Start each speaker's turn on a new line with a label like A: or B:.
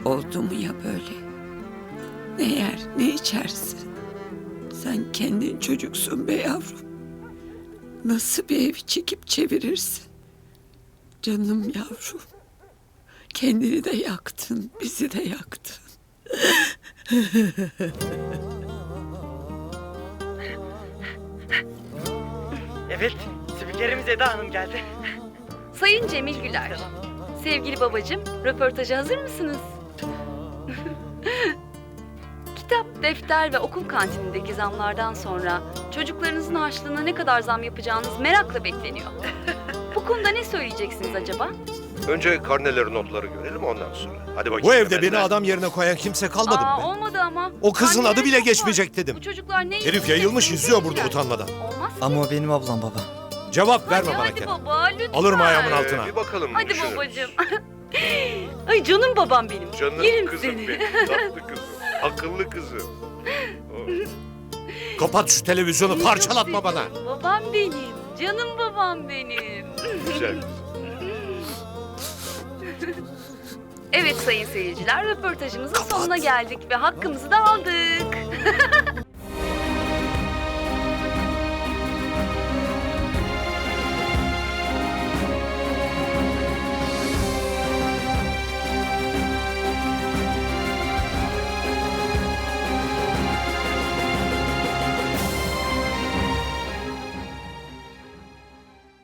A: Oldu mu ya böyle? Ne yer, ne içersin? Sen kendin çocuksun be yavrum. Nasıl bir evi çekip çevirirsin? Canım yavrum. Kendini de yaktın, bizi de yaktın.
B: Evet, spikerimiz Eda Hanım geldi.
C: Sayın Cemil Güler, sevgili babacığım, röportaja hazır mısınız? Kitap, defter ve okul kantinindeki zamlardan sonra çocuklarınızın harçlığına ne kadar zam yapacağınız merakla bekleniyor. Bu konuda ne söyleyeceksiniz acaba?
D: Önce karneleri, notları görelim ondan sonra. Hadi bakayım.
E: Bu evde
D: efendim.
E: beni adam yerine koyan kimse kalmadı mı?
C: Olmadı ama.
E: O kızın
C: Anneler
E: adı bile
C: çok
E: geçmeyecek
C: var.
E: dedim.
C: Bu çocuklar ne
E: Herif yayılmış
C: yiyecek,
E: izliyor
C: ne
E: burada
C: yiyecekler?
E: utanmadan.
C: Olmaz ki.
F: Ama o benim ablam baba.
E: Cevap verme bana
C: Hadi
E: Kenan.
C: baba lütfen.
E: Alırım ayağımın altına.
D: Bir bakalım.
C: Hadi
D: düşünürüz.
C: babacığım. Ay canım babam benim.
D: Canım
C: Yerim
D: kızım
C: seni.
D: benim. Tatlı kızım. Akıllı kızım. Oh.
E: Kapat şu televizyonu,
C: Seni
E: parçalatma
C: çok
E: bana.
C: seviyorum. Babam benim. Canım babam benim.
D: Güzel.
C: Evet sayın seyirciler, röportajımızın sonuna geldik ve hakkımızı da aldık.